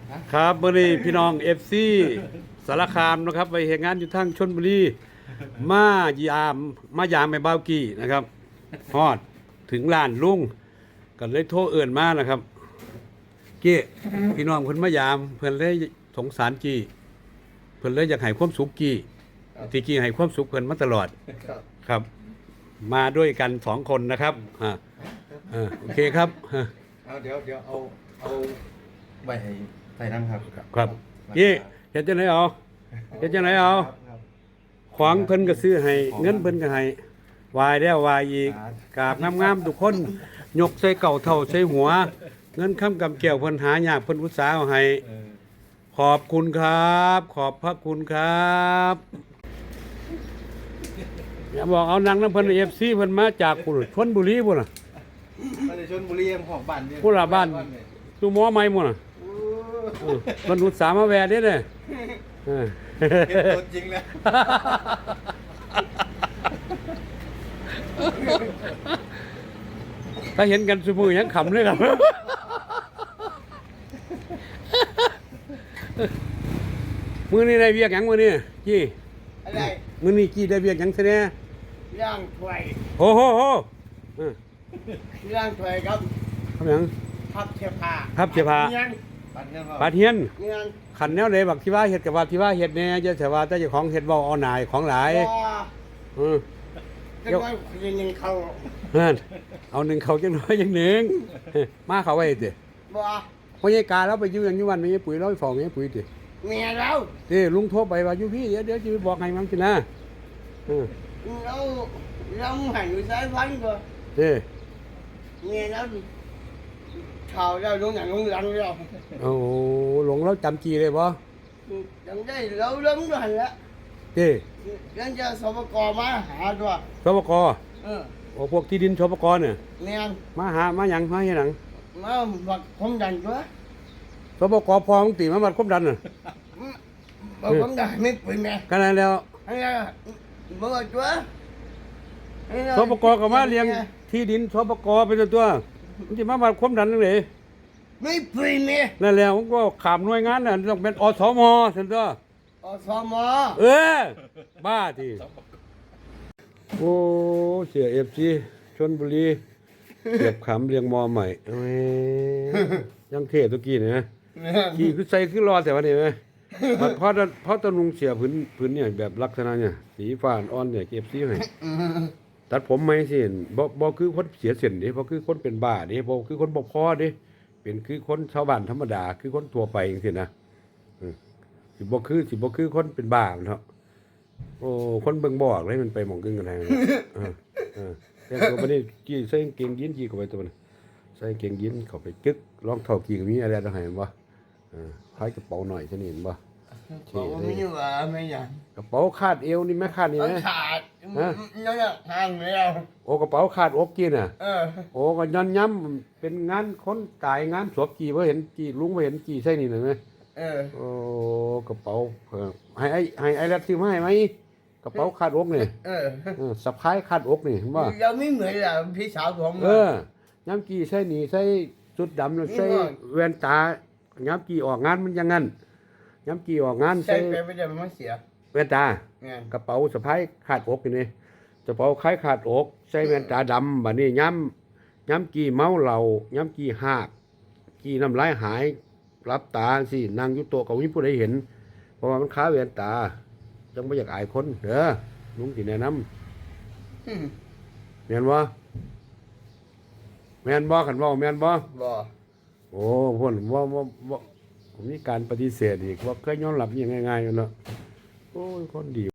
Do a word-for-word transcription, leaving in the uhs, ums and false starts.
ครับมื่อนี้พี่น้องเอฟซีสารคามนะครับไปเห็นงานอยู่ทางชลบุรีมายามมายามไปบ้าวกี้นะครับฮอดถึงลานลุงก็เลยโทรเอื่นมานะครับเกี้พี่น้องเพิ่นมายามเพิ่นเลยสงสารกี้เพิ่นเลยอยากให้ความสุขกี้ที่กี้ให้ความสุขเพิ่นมาตลอดครับ มาด้วยกันสองคนนะครับอ่าอ่าโอเคครับเอาเดี๋ยวเดี๋ยวเอาเอาใบให้ใส่น้ำครับครับยี่เฮ็ดจังไดเอาเฮ็ดจังไดเอาขวางเพิ่นก็ซื้อให้เงินเพิ่นก็ให้วายแล้ววายอีกกราบงามๆทุกคนยกใส่เก่าเท่าใส่หัว เงินค้ำกำแก้วเพิ่นหายากเพิ่นอุตสาห์เอาให้ขอบคุณครับ ขอบพระคุณครับอย่าบอกเอานางน้ำเพิ่น เอฟ ซี เพิ่นมาจากพุ่นชลบุรีพุ่นน่ะมาจากชลบุรีของบ้านเนี่ยพุ่นล่ะบ้านสู่หมอใหม่พุ่นน่ะเพิ่นอุตส่าห์มาแวะเด้เด้เออเห็นตัวจริงแล้วถ้าเห็นกันซุมื้อยังขำเลยครับมื้อนี้ได้เวียกหยังมื้อนี้จี้อะไรมื้อนี้จี้ได้เวียกหยังซะแน่ย่างถ้วยโอ้โหโหเอย่างถ้วยครับทำหยังพับเสื้อผ้าพับเสื้อผ้าเงี้ยปาเทียนเงี้ยขันแนวใดบักที่ว่าเฮ็ดกับว่าที่ว่าเฮ็ดแน่จะแต่ว่าแต่เจ้าของเฮ็ดเว้าเอาหน่ายของหลายเออเดี๋ยวยังเขานั่นเอาหนึ่งเขาจังน้อยจังหนึ่งมาเขาไว้ติบ่เพราะยายกาเราไปอยู่อย่างอยู่วันมีปุ๋ยเราไปฟ้องมีปุ๋ยติเมียเราเด้ลุงโทรไปว่าอยู่พี่เดี๋ยวเดี๋ยวจะไปบอกให้มันสินะเออเราเราหันอยู่ซ้ายพันก็เด้เมียเราข่าวเราลงอย่างลงหลังเราโอ้หลงเราจำจีเลยบ่จำได้เราล้มด้วยละเด้ยังจะสปกมาหาตัวสปกเออโอ้พวกที่ดินสปกเนี่ยเมียมาหามาหยังมาเฮ็ดหยังมาบักความดันตัวสปกพอมึงติมาบัดความดันน่ะบักความดันไม่ปืนแม่กันแล้วอันนี้บักตัวสปกก็มาเลี้ยงที่ดินสปกเป็นตัวมันสิมาบัดความดันจังได๋ไม่ปืนแม่นั่นแหละผมก็ขามหน่วยงานน่ะต้องเป็นอสมซั่นตัวอสมเออบ้าทีโอ้เสีย เอฟ ซี ชลบุรีเก็บขำเรียงมอใหม่เอ้ยยังเทศตะกี้นี่นะขี่คือใส่คือรอแต่ว่านี่มั้ยเพราะเพราะตะนุงเสียพื้นพื้นเนี่ยแบบลักษณะเนี่ยสีฟ้าอ่อนเนี่ย เอฟ ซี ให้ตัดผมใหม่สิบ่บ่คือคนเสียเส้นเด้บ่คือคนเป็นบ้าเด้บ่คือคนบ่พอเด้เป็นคือคนชาวบ้านธรรมดาคือคนทั่วไปจังซี่นะสิบ่คือสิบ่คือคนเป็นบ้าเนาะโอ้คนเบิ่งบ่ออกเลยมันไปหม่องกึ่งกันแท้เออเออแต่ตัวบัดนี้กี้ใส่กางเกงยีนกี้เข้าไปตัวนั้นใส่กางเกงยีนเข้าไปกึกรองเท้ากี้ก็มีอะไรต้องให้บ่เออพายกระเป๋าหน่อยซะนี่เห็นบ่บอกว่าไม่ว่าไม่หยังกระเป๋าคาดเอวนี่แม่คาดนี่มั้ยขาดฮะยังห่างแล้วโอ้กระเป๋าคาดอกกี้น่ะเออโอ้ก็ย้อนย้ำเป็นงานคนตายงานศพกี้บ่เห็นกี้ลุงบ่เห็นกี้ใส่นี่น่ะมั้ยเออโอ้กระเป๋าให้ไอ้ให้ไอ้รัดซื้อมาให้ไหมกระเป๋าคาดอกนี่เออสะพายคาดอกนี่เห็นบ่เราไม่เหมือนล่ะพี่สาวผมเออย้ำกี้ใส่นี่ใส่ชุดดำแล้วใส่แว่นตาย้ำกี้ออกงานมันอย่างงั้นย้ำกี้ออกงานใส่ไปไม่ได้มันเสียแว่นตากระเป๋าสะพายคาดอกนี่กระเป๋าคล้ายคาดอกใส่แว่นตาดำบัดนี้ย้ำย้ำกี้เมาเหล้าย้ำกี้หากกี้น้ำลายหายรับตาสินั่งอยู่โต๊ะก็มีผู้ใดเห็นเพราะว่ามันค้าแว่นตาจังบ่อยากอายคนเด้อลุงสิแนะนำแม่นบ่แม่นบ่คันเว้าแม่นบ่บ่โอ้พ่นบ่บ่บ่มีการปฏิเสธอีกว่าเคยยอมรับยังง่ายๆอยู่เนาะโอ้ยคนดี